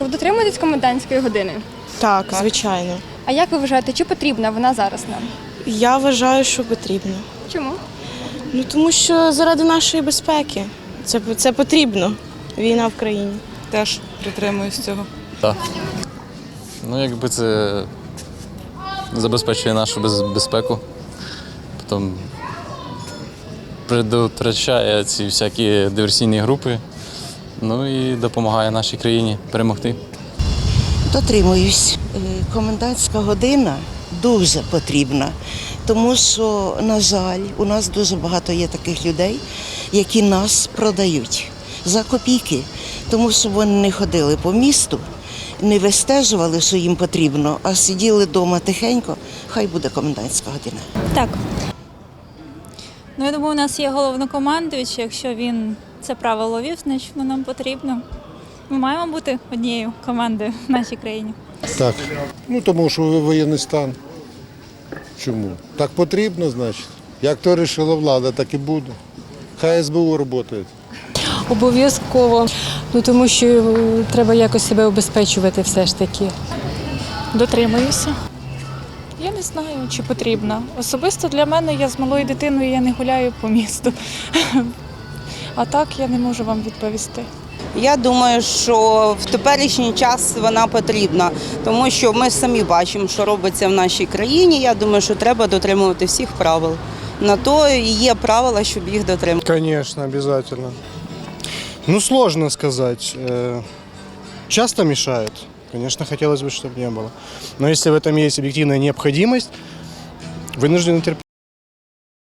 Ви дотримуєтесь комендантської години? Так, звичайно. А як ви вважаєте, чи потрібна вона зараз нам? Я вважаю, що потрібно. Чому? Ну, тому що заради нашої безпеки. Це потрібно. Війна в країні. Теж притримуюсь цього. Так. Ну, якби це забезпечує нашу безпеку, потім предотвращає ці всякі диверсійні групи, ну і допомагає нашій країні перемогти. Дотримуюсь. Комендантська година дуже потрібна, тому що, на жаль, у нас дуже багато є таких людей, які нас продають за копійки, тому що вони не ходили по місту, не вистежували, що їм потрібно, а сиділи вдома тихенько, хай буде комендантська година. Так. Ну, я думаю, у нас є головнокомандуючий, якщо він це правило вів, значить воно нам потрібно. Ми маємо бути однією командою в нашій країні. Так. Ну, тому що воєнний стан. Чому? Так потрібно, значить. Як то вирішила влада, так і буде. Хай СБУ працює. Обов'язково, тому що треба якось себе обезпечувати все ж таки. Дотримуюся. Я не знаю, чи потрібно. Особисто для мене, я з малою дитиною, я не гуляю по місту. А так я не можу вам відповісти. Я думаю, що в теперішній час вона потрібна, тому що ми самі бачимо, що робиться в нашій країні. Я думаю, що треба дотримувати всіх правил. На то і є правила, щоб їх дотримувати. Конечно, обязательно. Ну, сложно сказать. Часто мешает. Конечно, хотелось бы, чтобы не было. Но если в этом есть объективная необходимость, вынуждены терпеть.